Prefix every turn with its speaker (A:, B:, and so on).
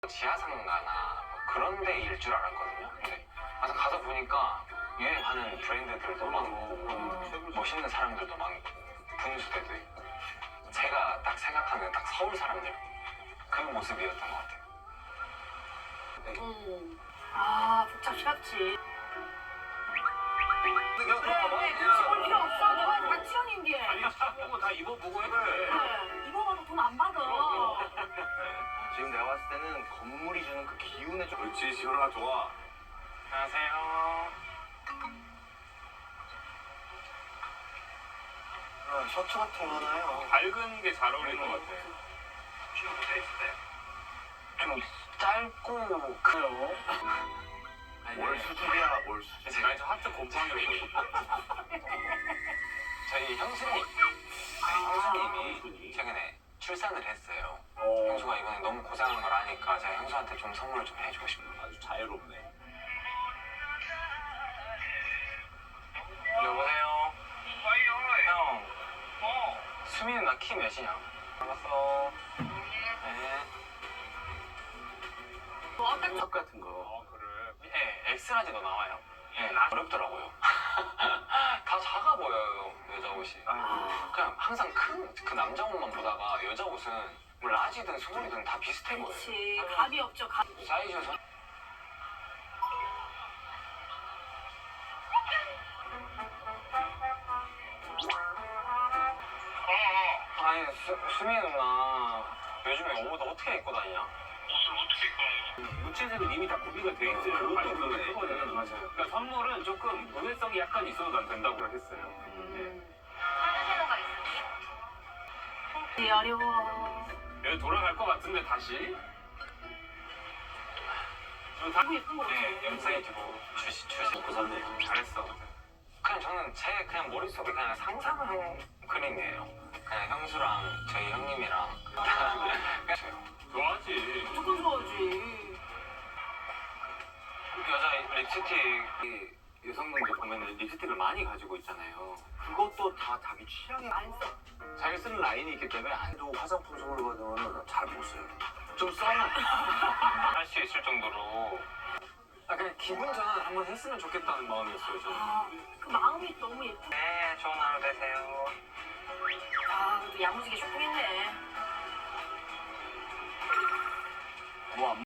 A: 지하상가나 뭐 그런 데일 줄 알았거든요. 근데 가서 보니까 유행하는 브랜드들도 많고 멋있는 사람들도 많고 분수대도 있고 제가 딱 생각하는 딱 서울 사람들 그 모습이었던 것 같아요.
B: 아, 복잡스럽지.
A: 그래,
B: 굳이 볼 필요 없어. 내가 박지현인데.
A: 아니 보고 다 입어보고 해도
B: 그래, 입어봐도 돈 안 받아.
C: 지금 내가 봤을 때는 건물이 주는 그 기운에 좀.
A: 그렇지, 지현아 좋아. 안녕하세요.
C: 셔츠 같은 거 하나요?
A: 밝은 게 잘 어울리는 것 같아. 좀 짧고 그래요.
C: 뭘 수줍이야, 뭘 수줍.
A: 아니 저 하트 곰팡이로 저희 형수님이 최근에 출산을 했어요. 형수가 이번에 너무 고생한 걸 아니까 제가 형수한테 좀 선물을 좀 해주고 싶어요.
C: 아주 자유롭네.
A: 여보세요? 형. 수민은 나 키 몇이냐? 알았어. 네.
B: 뭐, 아까
C: 컵 같은 거.
A: 그래. 네, 엑스라지도 나와요. 네, 어렵더라고요. 다 작아 보여요, 여자 옷이. 그냥 항상 큰 그 남자 옷만 보다가 여자 옷은 뭐 라지든 스몰이든 다 비슷해 보여요.
B: 그렇지. 감이 없죠, 감.
A: 사이즈에서 아니 수미 누나 요즘에 옷 어떻게 입고 다니냐?
D: 무채색은 이미 다 구비가 돼 있어요. 그것도 그거는
A: 맞아요.
D: 그러니까 선물은 조금 의외성이 약간 있어도 난 된다고 했어요.
B: 어려워.
D: 여기 돌아갈 것 같은데 다시?
B: 너무 예쁜 거 같아.
A: 네, 엠사이트고 출시 먹고 샀네요. 잘했어. 그냥 저는 제 그냥 머릿속에 그냥 상상한 그림이에요. 그냥 형수랑 저희 형님이랑
D: 좋아하지.
B: 무조건 좋아하지.
A: 여자 립스틱이 여성분들 보면 립스틱을 많이 가지고 있잖아요.
C: 그것도 다 자기 취향에
B: 안 써.
C: 자기 쓰는 라인이 있기 때문에 안도 화장품 선물 받으면 잘 못 써요.
A: 좀 써놔. 할 수 있을 정도로. 그냥 기분 전환 한번 했으면 좋겠다는 마음이었어요, 저는.
B: 아, 그 마음이 너무 예쁘.
A: 네, 좋은 하루 되세요.
B: 아, 그래도 야무지게 쇼핑했네.
C: 뭐안